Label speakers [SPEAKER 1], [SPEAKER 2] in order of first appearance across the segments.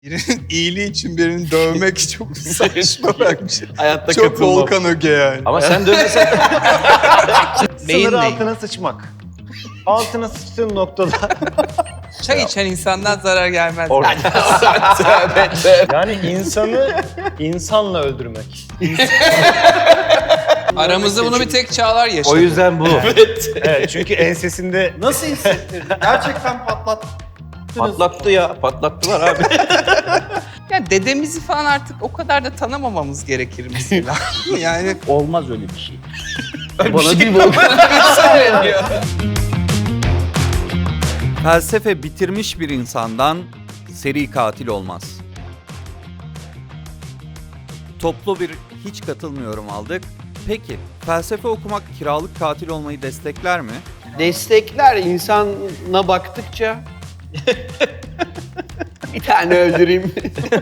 [SPEAKER 1] Birinin iyiliği için birini dövmek çok saçma bence.
[SPEAKER 2] Hayatta
[SPEAKER 1] Çok
[SPEAKER 2] katılmam.
[SPEAKER 1] Volkan Öge yani.
[SPEAKER 3] Ama sen dönmesen
[SPEAKER 1] Beyin
[SPEAKER 2] Sınır
[SPEAKER 1] neyi?
[SPEAKER 2] altına sıçmak. Altına sıçtığın noktada
[SPEAKER 1] Çay içen insandan zarar gelmez.
[SPEAKER 2] yani insanı insanla öldürmek.
[SPEAKER 1] Aramızda bunu bir tek Çağlar yaşadı.
[SPEAKER 3] o yüzden bu.
[SPEAKER 2] Evet, çünkü ensesinde
[SPEAKER 4] Nasıl hissettirdin? Gerçekten
[SPEAKER 3] Patlattı ya. Patlattılar abi.
[SPEAKER 1] Yani dedemizi falan artık o kadar da tanımamamız gerekir mesela. Yani
[SPEAKER 3] Olmaz öyle bir şey.
[SPEAKER 2] bana değil bu.
[SPEAKER 5] Felsefe bitirmiş bir insandan seri katil olmaz. Toplu bir hiç katılmıyorum aldık. Peki felsefe okumak kiralık katil olmayı destekler mi?
[SPEAKER 6] Destekler insana baktıkça bir tane öldüreyim.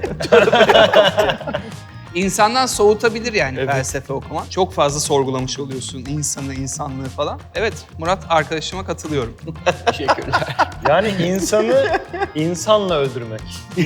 [SPEAKER 1] insandan soğutabilir yani felsefe okumak. Çok fazla sorgulamış oluyorsun insanı, insanlığı falan. Evet, Murat arkadaşıma katılıyorum.
[SPEAKER 6] Teşekkürler.
[SPEAKER 2] Yani insanı insanla öldürmek.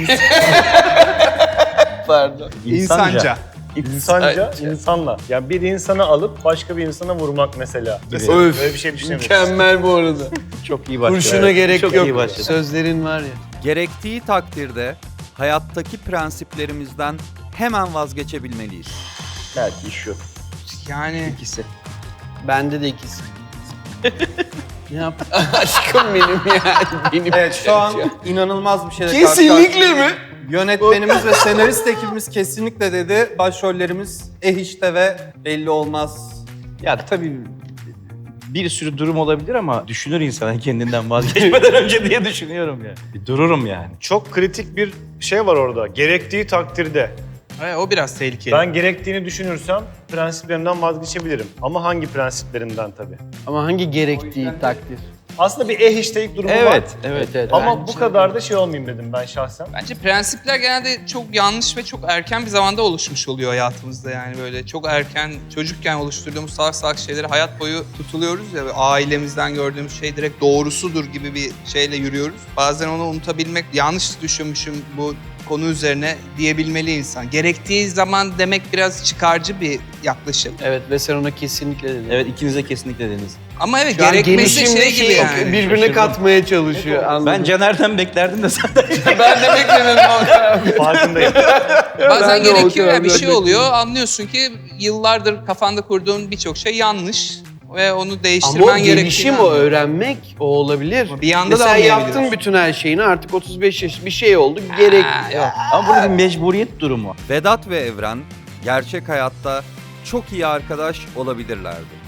[SPEAKER 6] Pardon.
[SPEAKER 1] İnsanca.
[SPEAKER 2] İnsanca, insanla. Yani bir insanı alıp başka bir insana vurmak mesela.
[SPEAKER 6] Öf.
[SPEAKER 2] Böyle bir şey düşünemiyorsun.
[SPEAKER 6] Mükemmel bu arada.
[SPEAKER 3] Çok iyi başladı.
[SPEAKER 6] Kurşuna gerek
[SPEAKER 3] Çok
[SPEAKER 6] yok.
[SPEAKER 3] iyi başladı.
[SPEAKER 6] Sözlerin var ya.
[SPEAKER 5] Gerektiği takdirde hayattaki prensiplerimizden hemen vazgeçebilmeliyiz.
[SPEAKER 3] Belki iş yok.
[SPEAKER 1] Yani
[SPEAKER 3] İkisi.
[SPEAKER 6] Bende de ikisi. Ne yap? Aşkım benim yani. Benim.
[SPEAKER 4] Evet, şu an inanılmaz bir şeyle
[SPEAKER 6] Kesinlikle mi?
[SPEAKER 4] Yönetmenimiz ve senarist ekibimiz kesinlikle dedi. Başrollerimiz işte ve belli olmaz.
[SPEAKER 3] Ya tabii bir sürü durum olabilir ama düşünür insan kendinden vazgeçmeden önce diye düşünüyorum ya. Bir dururum yani.
[SPEAKER 2] Çok kritik bir şey var orada. Gerektiği takdirde.
[SPEAKER 1] evet, o biraz tehlikeli.
[SPEAKER 2] Ben gerektiğini düşünürsem prensiplerimden vazgeçebilirim. Ama hangi prensiplerimden tabii.
[SPEAKER 6] Ama hangi gerektiği takdir?
[SPEAKER 2] Aslında bir işteyik durumu var.
[SPEAKER 3] Evet.
[SPEAKER 2] Ama bu kadar da şey olmayayım dedim ben şahsen.
[SPEAKER 1] Bence prensipler genelde çok yanlış ve çok erken bir zamanda oluşmuş oluyor hayatımızda yani böyle çok erken çocukken oluşturduğumuz salak salak şeyleri hayat boyu tutuluyoruz ya ve ailemizden gördüğümüz şey direkt doğrusudur gibi bir şeyle yürüyoruz. Bazen onu unutabilmek, yanlış düşünmüşüm bu konu üzerine diyebilmeli insan. Gerektiği zaman demek biraz çıkarcı bir yaklaşım.
[SPEAKER 6] Evet ve sen ona kesinlikle dedin.
[SPEAKER 3] Evet ikiniz de kesinlikle dediniz.
[SPEAKER 1] Ama evet
[SPEAKER 6] Şu an
[SPEAKER 1] gerekmesi
[SPEAKER 6] gelişimle
[SPEAKER 1] şey gibi yani.
[SPEAKER 6] birbirine
[SPEAKER 3] Şaşırdım.
[SPEAKER 6] katmaya çalışıyor. Anladım.
[SPEAKER 3] Ben Caner'den beklerdim de sen
[SPEAKER 1] Ben de beklemedim.
[SPEAKER 2] Farkındayım.
[SPEAKER 1] Bazen
[SPEAKER 6] Ben de
[SPEAKER 1] gerekiyor ya
[SPEAKER 6] olacağım,
[SPEAKER 1] bir
[SPEAKER 6] ben
[SPEAKER 1] şey
[SPEAKER 6] de
[SPEAKER 1] oluyor. Anlıyorsun ki yıllardır kafanda kurduğun birçok şey yanlış ve onu
[SPEAKER 6] Ama o
[SPEAKER 1] değiştirmen
[SPEAKER 6] gelişim,
[SPEAKER 1] gerektiğini
[SPEAKER 6] o öğrenmek, o olabilir.
[SPEAKER 1] Ama bir yanda da
[SPEAKER 6] Mesela
[SPEAKER 1] anlayabiliyorsun.
[SPEAKER 6] yaptın bütün her şeyini, artık 35 yaş bir şey oldu, gerek.
[SPEAKER 1] Yok.
[SPEAKER 3] Ama burada bir mecburiyet durumu.
[SPEAKER 5] Vedat ve Evren gerçek hayatta çok iyi arkadaş olabilirlerdi.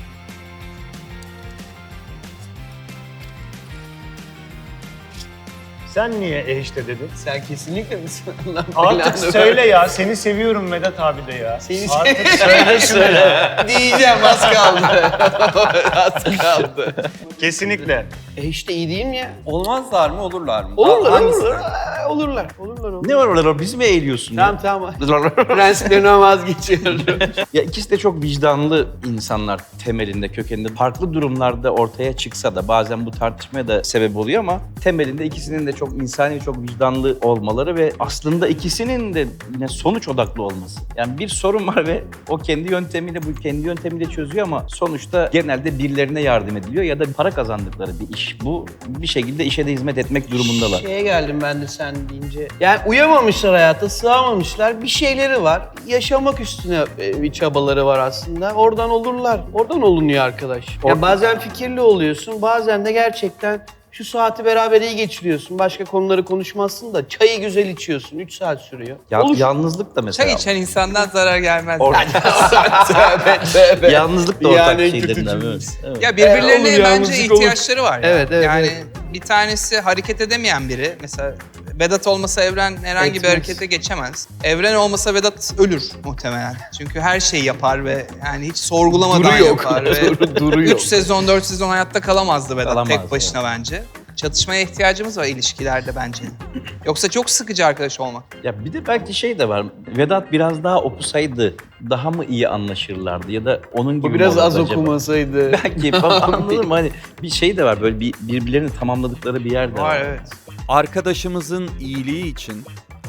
[SPEAKER 2] Sen niye işte dedin?
[SPEAKER 6] Sen kesinlikle misin? Allah
[SPEAKER 2] Artık
[SPEAKER 6] belanı
[SPEAKER 2] söyle ya. Seni seviyorum Vedat abi de ya.
[SPEAKER 6] Seni
[SPEAKER 2] Artık söyle şunu.
[SPEAKER 6] diyeceğim, az kaldı. Az kaldı.
[SPEAKER 2] Kesinlikle.
[SPEAKER 6] İşte iyi değil mi ya?
[SPEAKER 4] Olmazlar mı, olurlar mı?
[SPEAKER 6] Olurlar,
[SPEAKER 4] Hangisi?
[SPEAKER 6] olurlar. Olurlar.
[SPEAKER 3] Ne var orada? Bizi mi eğiliyorsun?
[SPEAKER 6] Tamam tamam. Prensiplerinden vazgeçiyorum.
[SPEAKER 3] Ya ikisi de çok vicdanlı insanlar temelinde, kökeninde. Farklı durumlarda ortaya çıksa da bazen bu tartışmaya da sebep oluyor ama temelinde ikisinin de çok insani, çok vicdanlı olmaları ve aslında ikisinin de yine sonuç odaklı olması. Yani bir sorun var ve o kendi yöntemiyle çözüyor ama sonuçta genelde birilerine yardım ediliyor ya da para kazandıkları bir iş. Bu bir şekilde işe de hizmet etmek durumundalar.
[SPEAKER 6] Şeye geldim ben de sen deyince. Yani uyamamışlar hayata, sığamamışlar. Bir şeyleri var. Yaşamak üstüne bir çabaları var aslında. Oradan olurlar. Oradan olunuyor arkadaş. Ya bazen fikirli oluyorsun, bazen de gerçekten şu saati beraber iyi geçiriyorsun. Başka konuları konuşmazsın da çayı güzel içiyorsun. 3 saat sürüyor. Olur.
[SPEAKER 3] Yalnızlık da mesela.
[SPEAKER 1] Çay içen insandan zarar gelmez.
[SPEAKER 3] Yalnızlık da ortak
[SPEAKER 6] Yani
[SPEAKER 3] şeylerinden.
[SPEAKER 6] kötü
[SPEAKER 3] Evet.
[SPEAKER 1] Ya birbirlerine
[SPEAKER 6] olur,
[SPEAKER 1] bence
[SPEAKER 6] yalnızlık olur.
[SPEAKER 1] ihtiyaçları var. Ya.
[SPEAKER 6] Evet, evet,
[SPEAKER 1] Yani
[SPEAKER 6] evet.
[SPEAKER 1] bir tanesi hareket edemeyen biri. Mesela Vedat olmasa Evren herhangi bir
[SPEAKER 6] Etmez.
[SPEAKER 1] harekete geçemez. Evren olmasa Vedat ölür muhtemelen. Çünkü her şeyi yapar ve yani hiç sorgulamadan yapar. Ve
[SPEAKER 6] Duruyor.
[SPEAKER 1] 3 sezon, 4 sezon hayatta kalamazdı Vedat
[SPEAKER 3] Kalamaz,
[SPEAKER 1] tek başına bence. Çatışmaya ihtiyacımız var ilişkilerde bence. Yoksa çok sıkıcı arkadaş olmak.
[SPEAKER 3] Ya bir de belki şey de var. Vedat biraz daha okusaydı daha mı iyi anlaşırlardı ya da onun gibi
[SPEAKER 6] Bu
[SPEAKER 3] mi
[SPEAKER 6] biraz
[SPEAKER 3] olurdu
[SPEAKER 6] az
[SPEAKER 3] acaba?
[SPEAKER 6] okumasaydı.
[SPEAKER 3] Belki anladın mı? Hani bir şey de var böyle birbirlerini tamamladıkları bir yer de var.
[SPEAKER 1] Var evet.
[SPEAKER 5] Arkadaşımızın iyiliği için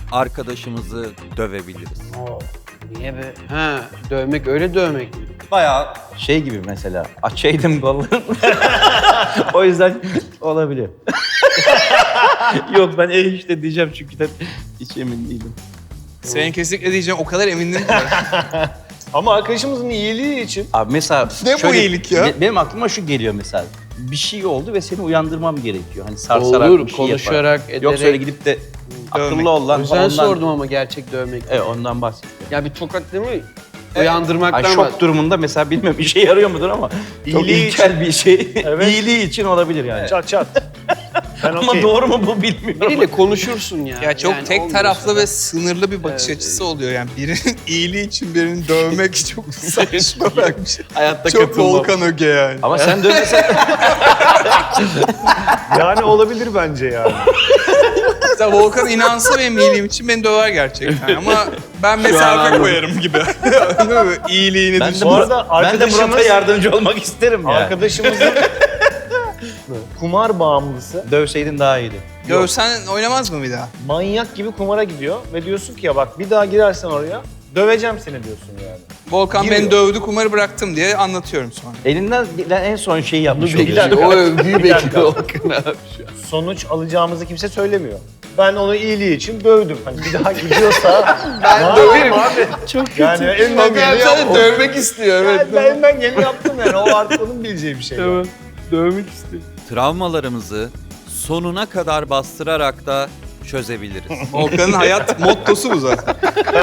[SPEAKER 5] arkadaşımızı dövebiliriz?
[SPEAKER 6] Oo, niye be? Ha, dövmek öyle dövmek mi?
[SPEAKER 4] Bayağı
[SPEAKER 3] Şey gibi mesela, açaydım kollarını. O yüzden olabilir. Yok ben işte diyeceğim çünkü de hiç emin değilim.
[SPEAKER 1] Senin kesinlikle diyeceğim o kadar emindim ki.
[SPEAKER 2] Ama arkadaşımızın iyiliği için
[SPEAKER 3] Abi mesela
[SPEAKER 1] Ne bu iyilik ya?
[SPEAKER 3] Benim aklıma şu geliyor mesela. Bir şey oldu ve seni uyandırmam gerekiyor. Hani sarsarak
[SPEAKER 6] Olur,
[SPEAKER 3] bir şey
[SPEAKER 6] konuşarak,
[SPEAKER 3] yaparak.
[SPEAKER 6] ederek.
[SPEAKER 3] Yoksa öyle gidip de akıllı ol lan.
[SPEAKER 6] O yüzden
[SPEAKER 3] ondan-
[SPEAKER 6] sordum ama gerçek dövmek.
[SPEAKER 3] Evet ondan bahsediyorum.
[SPEAKER 6] Ya bir tokat değil mi? Uyandırmaktan
[SPEAKER 3] Ay, şok durumunda mesela bilmiyorum işe yarıyor mudur ama çok
[SPEAKER 2] İyiliği
[SPEAKER 3] ilkel bir şey.
[SPEAKER 2] Evet.
[SPEAKER 3] İyiliği için olabilir yani.
[SPEAKER 2] çat çat. Ben
[SPEAKER 3] Ama
[SPEAKER 2] okeyim.
[SPEAKER 3] doğru mu bu bilmiyorum.
[SPEAKER 6] Biriyle konuşursun ya.
[SPEAKER 1] Ya çok
[SPEAKER 6] Yani
[SPEAKER 1] tek
[SPEAKER 6] olmuyorsa
[SPEAKER 1] taraflı
[SPEAKER 6] da-
[SPEAKER 1] ve sınırlı bir bakış açısı oluyor yani. Birinin iyiliği için birini dövmek çok saçma bir şey.
[SPEAKER 6] Hayatta
[SPEAKER 1] Çok
[SPEAKER 6] katılmam.
[SPEAKER 1] Volkan Öge yani.
[SPEAKER 3] Ama sen dövmesen
[SPEAKER 2] Yani olabilir bence yani.
[SPEAKER 1] Mesela Volkan inansa benim iyiliğim için beni döver gerçekten ama ben mesafe koyarım gibi. Değil mi? İyiliğini
[SPEAKER 3] ben de,
[SPEAKER 1] düşün.
[SPEAKER 2] Bu arada
[SPEAKER 3] ben de Murat'a
[SPEAKER 2] arkadaşımız-
[SPEAKER 3] yardımcı olmak isterim yani.
[SPEAKER 2] Arkadaşımızın kumar bağımlısı
[SPEAKER 3] Dövseydin daha iyiydi.
[SPEAKER 1] Dövsen oynamaz mı bir daha?
[SPEAKER 2] manyak gibi kumara gidiyor ve diyorsun ki ya bak bir daha girersen oraya döveceğim seni diyorsun yani.
[SPEAKER 1] Volkan
[SPEAKER 2] Giriyor.
[SPEAKER 1] beni dövdü, kumarı bıraktım diye anlatıyorum sonra.
[SPEAKER 3] Elinden gelen en son şeyi yapmış
[SPEAKER 6] Bunu
[SPEAKER 3] oluyorsun.
[SPEAKER 6] bekliyor. O övgüyü
[SPEAKER 2] Bir dakika.
[SPEAKER 6] bekliyor Volkan abi şu an.
[SPEAKER 2] Sonuç alacağımızı kimse söylemiyor. Ben onu iyiliği için dövdüm. Hani bir daha gidiyorsa ben
[SPEAKER 6] döverim.
[SPEAKER 2] abi.
[SPEAKER 6] Çok kötü.
[SPEAKER 2] Yani elimden
[SPEAKER 6] Volkan
[SPEAKER 2] geleni
[SPEAKER 6] abi
[SPEAKER 2] yaptım.
[SPEAKER 6] dövmek istiyor evet.
[SPEAKER 2] Ben elimden geleni yaptım yani. O artık onun bileceği bir şey.
[SPEAKER 6] Tamam. Dövmek istiyor.
[SPEAKER 5] Travmalarımızı sonuna kadar bastırarak da çözebiliriz.
[SPEAKER 1] Volkan'ın hayat mottosu bu zaten.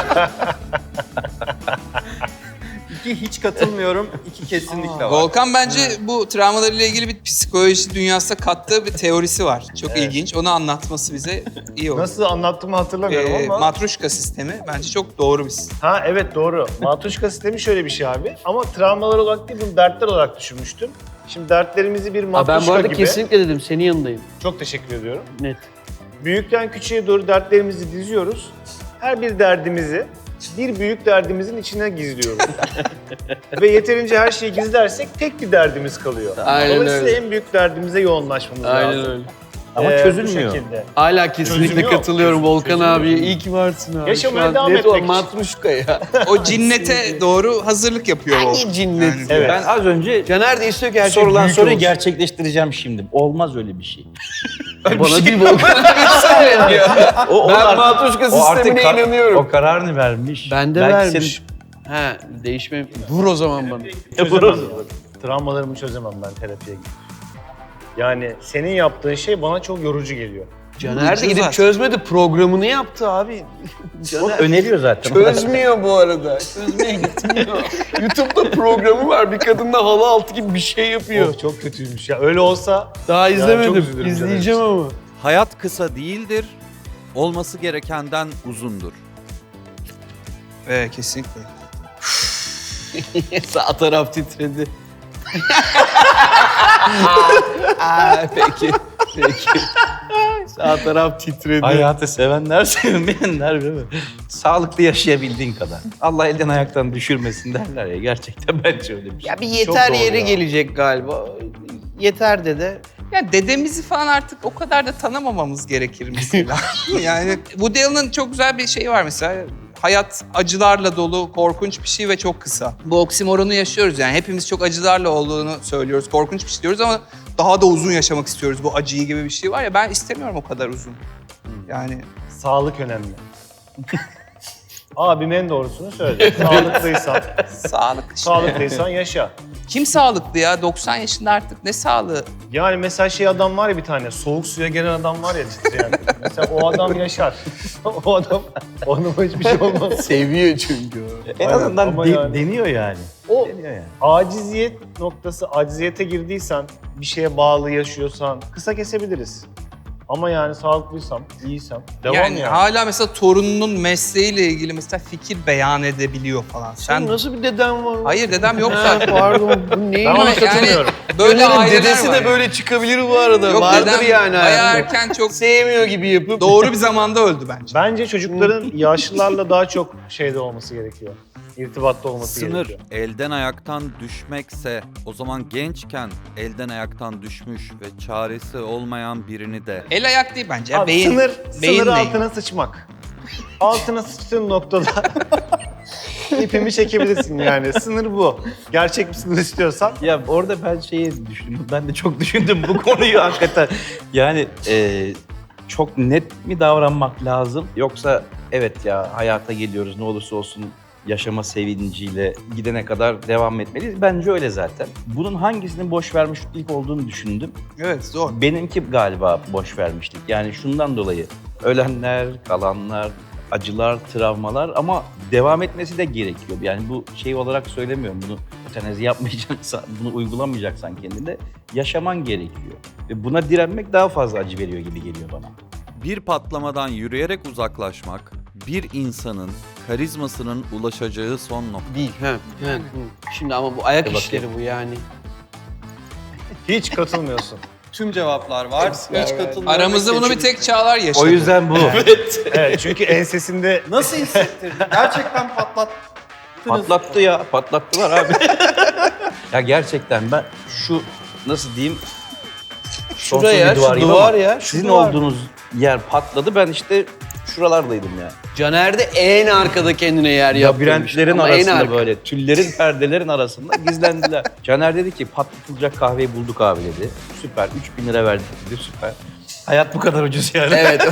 [SPEAKER 4] 2 hiç katılmıyorum, 2 kesinlikle var.
[SPEAKER 1] Volkan bence bu travmalarıyla ilgili bir psikoloji dünyasına kattığı bir teorisi var. Çok ilginç. Onu anlatması bize iyi olur.
[SPEAKER 2] Nasıl anlattığımı hatırlamıyorum ama.
[SPEAKER 1] Matruşka sistemi bence çok doğru bir sistem.
[SPEAKER 2] Ha evet doğru. Matruşka sistemi şöyle bir şey abi. Ama travmalar olarak değil bunu dertler olarak düşünmüştüm. Şimdi dertlerimizi bir
[SPEAKER 6] Aa,
[SPEAKER 2] matruşka
[SPEAKER 6] ben bu arada
[SPEAKER 2] gibi.
[SPEAKER 6] kesinlikle dedim senin yanındayım.
[SPEAKER 2] Çok teşekkür ediyorum.
[SPEAKER 6] Net.
[SPEAKER 2] Büyükten küçüğe doğru dertlerimizi diziyoruz. Her bir derdimizi bir büyük derdimizin içine gizliyoruz. Ve yeterince her şeyi gizlersek tek bir derdimiz kalıyor.
[SPEAKER 6] Aynen
[SPEAKER 2] Dolayısıyla
[SPEAKER 6] öyle.
[SPEAKER 2] en büyük derdimize yoğunlaşmamız lazım.
[SPEAKER 6] Aynen öyle.
[SPEAKER 3] Ama
[SPEAKER 2] Bu
[SPEAKER 3] çözülmüyor.
[SPEAKER 2] şekilde.
[SPEAKER 6] Hala kesinlikle
[SPEAKER 2] Çözüm yok.
[SPEAKER 6] katılıyorum Volkan
[SPEAKER 2] Çözüm yok.
[SPEAKER 6] abiye. İyi ki varsın abi.
[SPEAKER 2] Yaşamaya
[SPEAKER 6] Şu an
[SPEAKER 2] devam
[SPEAKER 6] net
[SPEAKER 2] etmek
[SPEAKER 6] o
[SPEAKER 2] için.
[SPEAKER 6] matruşka ya.
[SPEAKER 1] O cinnete doğru hazırlık yapıyor Volkan.
[SPEAKER 6] Hangi cinnet?
[SPEAKER 1] Yani-
[SPEAKER 2] Evet.
[SPEAKER 3] Ben az önce
[SPEAKER 6] Caner de istiyor ki her şey
[SPEAKER 3] sorulan
[SPEAKER 6] büyük
[SPEAKER 3] soruyu
[SPEAKER 6] olsun.
[SPEAKER 3] gerçekleştireceğim şimdi. Olmaz öyle bir şey.
[SPEAKER 6] Bana değil Volkan abi söyleniyor. Ben
[SPEAKER 3] artık-
[SPEAKER 6] matruşka
[SPEAKER 3] o artık
[SPEAKER 6] sistemine inanıyorum.
[SPEAKER 3] O kararını vermiş.
[SPEAKER 6] Ben de
[SPEAKER 3] Belki
[SPEAKER 6] vermiş. He değişme. Vur o zaman bana.
[SPEAKER 2] Çözemem. Travmalarımı çözemem ben terapiye gidip. Yani senin yaptığın şey bana çok yorucu geliyor.
[SPEAKER 6] Caner de gidip
[SPEAKER 1] Zaten.
[SPEAKER 6] çözmedi programını yaptı abi.
[SPEAKER 3] O
[SPEAKER 6] Caner
[SPEAKER 3] öneriyor zaten.
[SPEAKER 6] çözmüyor bu arada. Çözmeye gitmiyor. YouTube'da programı var. Bir kadınla halı altı gibi bir şey yapıyor.
[SPEAKER 2] Of, çok kötüymüş ya. Öyle olsa
[SPEAKER 6] Daha
[SPEAKER 2] çok
[SPEAKER 6] izlemedim.
[SPEAKER 2] üzülürüm
[SPEAKER 6] İzleyeceğim
[SPEAKER 2] Caner
[SPEAKER 6] ama.
[SPEAKER 5] Hayat kısa değildir, olması gerekenden uzundur.
[SPEAKER 1] Kesinlikle.
[SPEAKER 6] Sağ taraf titredi. Peki. Peki. Sağ taraf titredi.
[SPEAKER 3] Hayatı sevenler, sevmeyenler değil mi? Sağlıklı yaşayabildiğin kadar. Allah elden ayaktan düşürmesin derler ya. Gerçekten bence öyle bir şey.
[SPEAKER 6] Ya bir yeter
[SPEAKER 2] doğru
[SPEAKER 6] yere
[SPEAKER 2] ya.
[SPEAKER 6] gelecek galiba. Yeter dede.
[SPEAKER 1] Ya dedemizi falan artık o kadar da tanımamamız gerekir mesela. Yani Woody Allen'ın çok güzel bir şeyi var mesela. Hayat acılarla dolu, korkunç bir şey ve çok kısa. Bu oksimoronu yaşıyoruz yani. Hepimiz çok acılarla olduğunu söylüyoruz. Korkunç bir şey diyoruz ama daha da uzun yaşamak istiyoruz. Bu acıyı gibi bir şey var ya ben istemiyorum o kadar uzun. Yani
[SPEAKER 2] sağlık önemli. Abim en doğrusunu söyledi. Sağlıklıysan, sağlıklıysan yaşa.
[SPEAKER 1] Kim sağlıklı ya? 90 yaşında artık ne sağlığı?
[SPEAKER 2] Yani mesela adam var ya bir tane, soğuk suya gelen adam var ya titreyen. Mesela o adam yaşar. o adam, onun hiçbir şey olmaz.
[SPEAKER 6] Seviyor çünkü o.
[SPEAKER 3] En
[SPEAKER 2] Aynen,
[SPEAKER 3] azından
[SPEAKER 2] ama yani-
[SPEAKER 3] deniyor yani.
[SPEAKER 2] O
[SPEAKER 3] Deniyor yani.
[SPEAKER 2] aciziyet noktası, aciziyete girdiysen, bir şeye bağlı yaşıyorsan kısa kesebiliriz. Ama yani sağlıklıysam, iyiysem devam yani.
[SPEAKER 1] Hala mesela torununun mesleğiyle ilgili mesela fikir beyan edebiliyor falan.
[SPEAKER 6] Sen nasıl bir deden var?
[SPEAKER 1] Hayır dedem yok
[SPEAKER 6] Ha,
[SPEAKER 1] zaten.
[SPEAKER 6] pardon. Bu neyin?
[SPEAKER 2] Ben ona
[SPEAKER 1] Yani
[SPEAKER 2] katılmıyorum.
[SPEAKER 1] böyle
[SPEAKER 6] Caner'in
[SPEAKER 1] aileler
[SPEAKER 6] dedesi
[SPEAKER 1] var.
[SPEAKER 6] de böyle çıkabilir bu arada.
[SPEAKER 1] Yok
[SPEAKER 6] Vardır
[SPEAKER 1] dedem
[SPEAKER 6] yani.
[SPEAKER 1] bayağı
[SPEAKER 6] hayatında.
[SPEAKER 1] erken çok
[SPEAKER 6] Sevmiyor gibi yapıp.
[SPEAKER 1] doğru bir zamanda öldü bence.
[SPEAKER 2] Bence çocukların yaşlılarla daha çok şeyde olması gerekiyor. İrtibatta olması
[SPEAKER 5] Sınır
[SPEAKER 2] gerekiyor.
[SPEAKER 5] elden ayaktan düşmekse o zaman gençken elden ayaktan düşmüş ve çaresi olmayan birini de
[SPEAKER 1] El ayak değil bence. Ya,
[SPEAKER 2] Abi,
[SPEAKER 1] beyin.
[SPEAKER 2] sınır
[SPEAKER 1] beyinle
[SPEAKER 2] altına
[SPEAKER 1] ilgili.
[SPEAKER 2] sıçmak. Altına sıçtığın noktada ipimi çekebilirsin yani. Sınır bu. Gerçek bir sınır istiyorsan.
[SPEAKER 3] Ya orada ben şeyi düşündüm. Ben de çok düşündüm bu konuyu hakikaten. Yani çok net mi davranmak lazım? Yoksa evet ya hayata geliyoruz ne olursa olsun yaşama sevinciyle gidene kadar devam etmeliyiz. Bence öyle zaten. Bunun hangisinin boş vermişlik olduğunu düşündüm.
[SPEAKER 1] Evet, zor.
[SPEAKER 3] Benimki galiba boş vermişlik. Yani şundan dolayı ölenler, kalanlar, acılar, travmalar ama devam etmesi de gerekiyor. Yani bu şey olarak söylemiyorum. Bunu ötenazi yapmayacaksan, bunu uygulamayacaksan kendinde yaşaman gerekiyor. Ve buna direnmek daha fazla acı veriyor gibi geliyor bana.
[SPEAKER 5] Bir patlamadan yürüyerek uzaklaşmak, bir insanın karizmasının ulaşacağı son nokta.
[SPEAKER 6] Değil. Şimdi ama bu ayak
[SPEAKER 3] Bakayım.
[SPEAKER 6] işleri bu yani.
[SPEAKER 2] Hiç katılmıyorsun.
[SPEAKER 4] Tüm cevaplar var. Hiç katılmıyorum.
[SPEAKER 1] Aramızda bunu bir tek Çağlar yaşadı.
[SPEAKER 3] O yüzden bu.
[SPEAKER 2] Evet, çünkü ensesinde
[SPEAKER 4] Nasıl hissettirdin? Gerçekten patlattınız.
[SPEAKER 3] Patlattı ya, patlattılar abi. Ya gerçekten ben şu nasıl diyeyim? sonsuz
[SPEAKER 6] Şuraya,
[SPEAKER 3] bir
[SPEAKER 6] şu
[SPEAKER 3] gibi
[SPEAKER 6] duvar
[SPEAKER 3] ama
[SPEAKER 6] ya, şu
[SPEAKER 3] Sizin
[SPEAKER 6] duvar.
[SPEAKER 3] olduğunuz yer patladı. Ben işte şuralardaydım ya.
[SPEAKER 6] Caner de en arkada kendine yer yaptırmış.
[SPEAKER 3] Labirentlerin
[SPEAKER 6] Ama en
[SPEAKER 3] arasında
[SPEAKER 6] arka.
[SPEAKER 3] böyle tüllerin, perdelerin arasında gizlendiler. Caner dedi ki patlatılacak kahveyi bulduk abi dedi. Süper, 3.000 lira verdik dedi, süper. Hayat bu kadar ucuz yani.
[SPEAKER 6] Evet.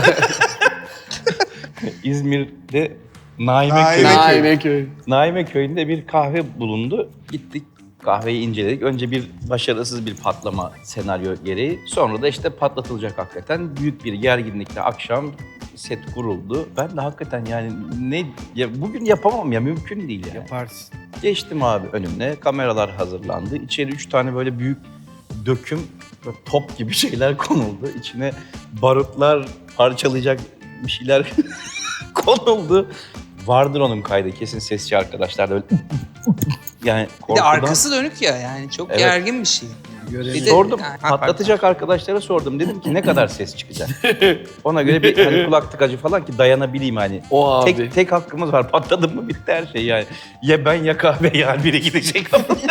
[SPEAKER 3] İzmir'de Naime Köyü.
[SPEAKER 6] Naimeköy.
[SPEAKER 3] Naime Köyü'nde bir kahve bulundu. Gittik kahveyi inceledik. Önce bir başarısız bir patlama senaryo gereği. Sonra da işte patlatılacak hakikaten. Büyük bir gerginlikle akşam set kuruldu. Ben de hakikaten yani bugün yapamam ya, mümkün değil yani.
[SPEAKER 6] Yaparsın.
[SPEAKER 3] Geçtim abi önümne. Kameralar hazırlandı. İçeri 3 tane böyle büyük döküm böyle top gibi şeyler konuldu. İçine barutlar, parçalayacak bir şeyler konuldu. Vardır onun kaydı kesin, sesçi arkadaşlar da öyle yani
[SPEAKER 1] Bir de
[SPEAKER 3] korkudan.
[SPEAKER 1] arkası dönük ya, yani çok
[SPEAKER 3] Evet.
[SPEAKER 1] gergin bir şey. Bir de-
[SPEAKER 3] Sordum,
[SPEAKER 1] Yani-
[SPEAKER 3] patlatacak arkadaşlara sordum. Dedim ki ne kadar ses çıkacak? Ona göre bir hani kulak tıkacı falan ki dayanabileyim hani.
[SPEAKER 6] O abi.
[SPEAKER 3] Tek hakkımız var. Patladı mı bitti her şey yani. Ya ben ya kahve yani biri gidecek.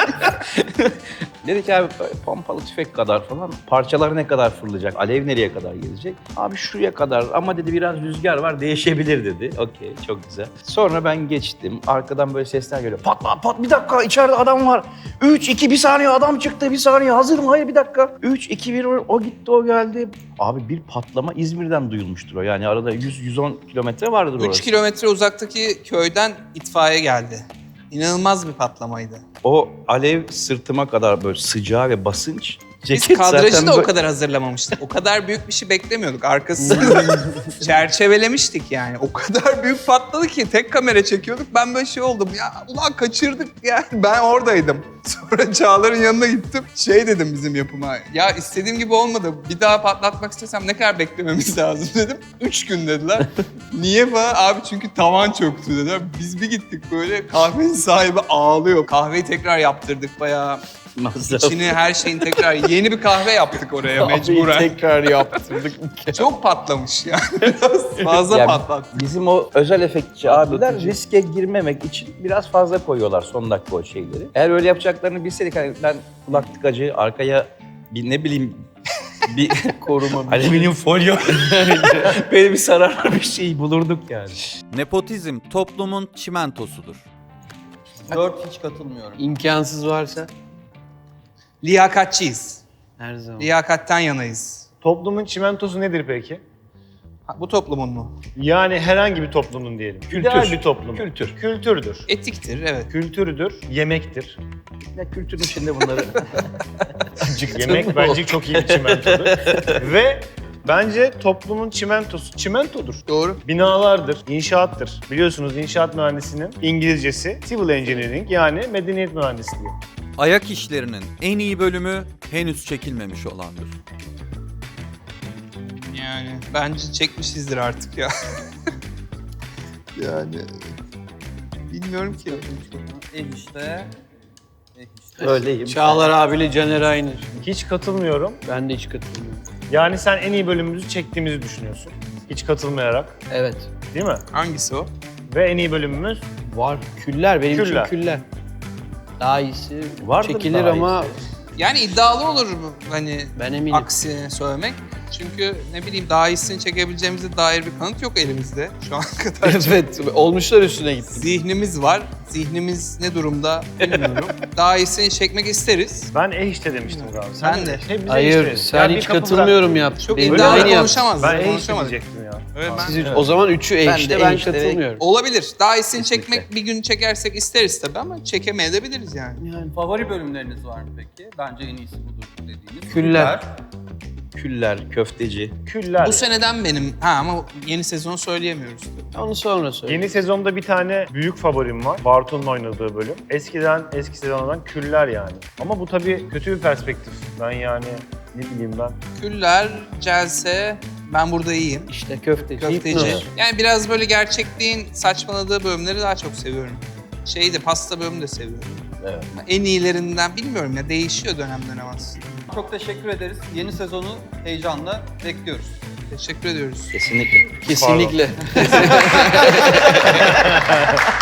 [SPEAKER 3] Dedik abi pompalı tüfek kadar falan. Parçalar ne kadar fırlayacak? Alev nereye kadar gelecek? Abi şuraya kadar ama dedi biraz rüzgar var değişebilir dedi. Okey, çok güzel. Sonra ben geçtim. Arkadan böyle sesler geliyor. Pat bir dakika içeride adam var. 3, 2, bir saniye adam çıktı. Bir saniye hazırım. Hayır bir dakika. 3, 2, 1 o gitti o geldi. Abi bir patlama İzmir'den duyulmuştur o. Yani arada 100-110 kilometre vardır
[SPEAKER 1] 3
[SPEAKER 3] orası.
[SPEAKER 1] kilometre uzaktaki köyden itfaiye geldi. İnanılmaz bir patlamaydı.
[SPEAKER 3] O alev sırtıma kadar böyle sıcağı ve basınç.
[SPEAKER 1] Biz
[SPEAKER 3] Ceket
[SPEAKER 1] kadrajı
[SPEAKER 3] zaten
[SPEAKER 1] da o
[SPEAKER 3] böyle-
[SPEAKER 1] kadar hazırlamamıştık. O kadar büyük bir şey beklemiyorduk. Arkasını çerçevelemiştik yani. O kadar büyük patladı ki tek kamera çekiyorduk. Ben böyle şey oldum ya, ulan kaçırdık yani. Ben oradaydım. Sonra Çağlar'ın yanına gittim. Şey dedim bizim yapıma. Ya istediğim gibi olmadı. Bir daha patlatmak istesem ne kadar beklememiz lazım dedim. 3 gün dediler. Niye falan? Abi çünkü tavan çöktü dediler. Biz bir gittik böyle, kahvenin sahibi ağlıyor. Kahveyi tekrar yaptırdık bayağı.
[SPEAKER 3] Masraf.
[SPEAKER 1] İçini, her şeyin tekrar yeni bir kahve yaptık oraya mecburen.
[SPEAKER 6] Tekrar yaptırdık.
[SPEAKER 1] Çok patlamış yani. Biraz fazla
[SPEAKER 3] Ya
[SPEAKER 1] patlattı.
[SPEAKER 3] Bizim o özel efektçi abiler riske girmemek için biraz fazla koyuyorlar son dakika o şeyleri. Eğer öyle yapacaklarını bilseydik hani ben kulak tıkacı arkaya bir ne bileyim bir
[SPEAKER 6] Koruma.
[SPEAKER 3] alüminyum folyo böyle bir zararlı bir şey bulurduk yani.
[SPEAKER 5] Nepotizm toplumun çimentosudur.
[SPEAKER 4] 4 hiç katılmıyorum.
[SPEAKER 6] İmkansız varsa
[SPEAKER 1] Liyakatçıyız.
[SPEAKER 6] her zaman.
[SPEAKER 1] Liyakatten yanayız.
[SPEAKER 2] toplumun çimentosu nedir peki?
[SPEAKER 1] Ha, bu toplumun mu?
[SPEAKER 2] Yani herhangi bir toplumun diyelim.
[SPEAKER 3] Kültür.
[SPEAKER 2] İdeal bir toplum.
[SPEAKER 3] Kültür.
[SPEAKER 2] Kültürdür.
[SPEAKER 1] Etiktir, evet.
[SPEAKER 2] Kültürüdür, yemektir.
[SPEAKER 3] Ya kültürün içinde bunları
[SPEAKER 2] Yemek bence çok iyi bir çimentodur. Ve bence toplumun çimentosu çimentodur.
[SPEAKER 1] Doğru.
[SPEAKER 2] Binalardır, inşaattır. Biliyorsunuz inşaat mühendisinin İngilizcesi civil engineering yani medeniyet mühendisliği.
[SPEAKER 5] Ayak işlerinin en iyi bölümü henüz çekilmemiş olandır.
[SPEAKER 1] Yani bence çekmişizdir artık ya. Yani bilmiyorum ki.
[SPEAKER 4] İşte.
[SPEAKER 3] öyleyim.
[SPEAKER 6] Çağlar abiyle Caner aynı.
[SPEAKER 2] Hiç katılmıyorum.
[SPEAKER 6] Ben de hiç katılmıyorum.
[SPEAKER 2] Yani sen en iyi bölümümüzü çektiğimizi düşünüyorsun. Hiç katılmayarak,
[SPEAKER 6] Evet.
[SPEAKER 2] değil mi?
[SPEAKER 1] Hangisi o?
[SPEAKER 2] Ve en iyi bölümümüz
[SPEAKER 6] Var. Küller. Benim
[SPEAKER 2] Küller.
[SPEAKER 6] için küller. Daha iyisi
[SPEAKER 3] Vardır
[SPEAKER 6] çekilir
[SPEAKER 3] daha
[SPEAKER 6] ama
[SPEAKER 1] Yani iddialı olur bu, hani
[SPEAKER 6] ben eminim.
[SPEAKER 1] aksini söylemek. Çünkü ne bileyim daha iyisini çekebileceğimize dair bir kanıt yok elimizde şu ana kadar.
[SPEAKER 6] Evet, olmuşlar üstüne gitti.
[SPEAKER 1] Zihnimiz var. Zihnimiz ne durumda bilmiyorum. Daha iyisini çekmek isteriz.
[SPEAKER 2] Ben işte demiştim galiba.
[SPEAKER 1] Ben de.
[SPEAKER 2] Hep bize
[SPEAKER 6] Hayır,
[SPEAKER 2] işte.
[SPEAKER 6] sen
[SPEAKER 2] Ya bir
[SPEAKER 6] hiç
[SPEAKER 2] kapı
[SPEAKER 6] katılmıyorum yaptın.
[SPEAKER 1] Çok
[SPEAKER 6] Benim de
[SPEAKER 1] iddialı
[SPEAKER 6] aynı yaptın.
[SPEAKER 1] konuşamazdık.
[SPEAKER 2] Ben
[SPEAKER 1] konuşamadık.
[SPEAKER 2] diyecektim ya.
[SPEAKER 1] Evet, ben-
[SPEAKER 6] Siz o zaman üçü işte ben katılmıyorum.
[SPEAKER 1] Olabilir. Daha iyisini
[SPEAKER 3] Kesinlikle.
[SPEAKER 1] çekmek bir gün çekersek isteriz tabii ama çekemeyebiliriz yani.
[SPEAKER 6] Yani
[SPEAKER 4] Favori bölümleriniz var mı peki? Bence en iyisi budur dediğiniz.
[SPEAKER 6] Küller.
[SPEAKER 3] Küller, köfteci.
[SPEAKER 2] Küller.
[SPEAKER 1] Bu seneden benim. Ama yeni sezonu söyleyemiyoruz.
[SPEAKER 6] onu sonra söyle.
[SPEAKER 2] Yeni sezonda bir tane büyük favorim var. Bartu'nun oynadığı bölüm. Eski sezondan Küller yani. Ama bu tabii kötü bir perspektif. Ben yani ne bileyim ben.
[SPEAKER 1] Küller, Celse, ben burada iyiyim.
[SPEAKER 6] İşte köfteci.
[SPEAKER 1] Köfteci.
[SPEAKER 6] hipnoz.
[SPEAKER 1] Yani biraz böyle gerçekliğin saçmaladığı bölümleri daha çok seviyorum. Pasta bölümünü de seviyorum.
[SPEAKER 3] Evet.
[SPEAKER 1] En iyilerinden bilmiyorum ya, değişiyor dönemden aslında.
[SPEAKER 4] Çok teşekkür ederiz. Yeni sezonu heyecanla bekliyoruz.
[SPEAKER 1] Teşekkür ediyoruz.
[SPEAKER 3] Kesinlikle.
[SPEAKER 6] Kesinlikle.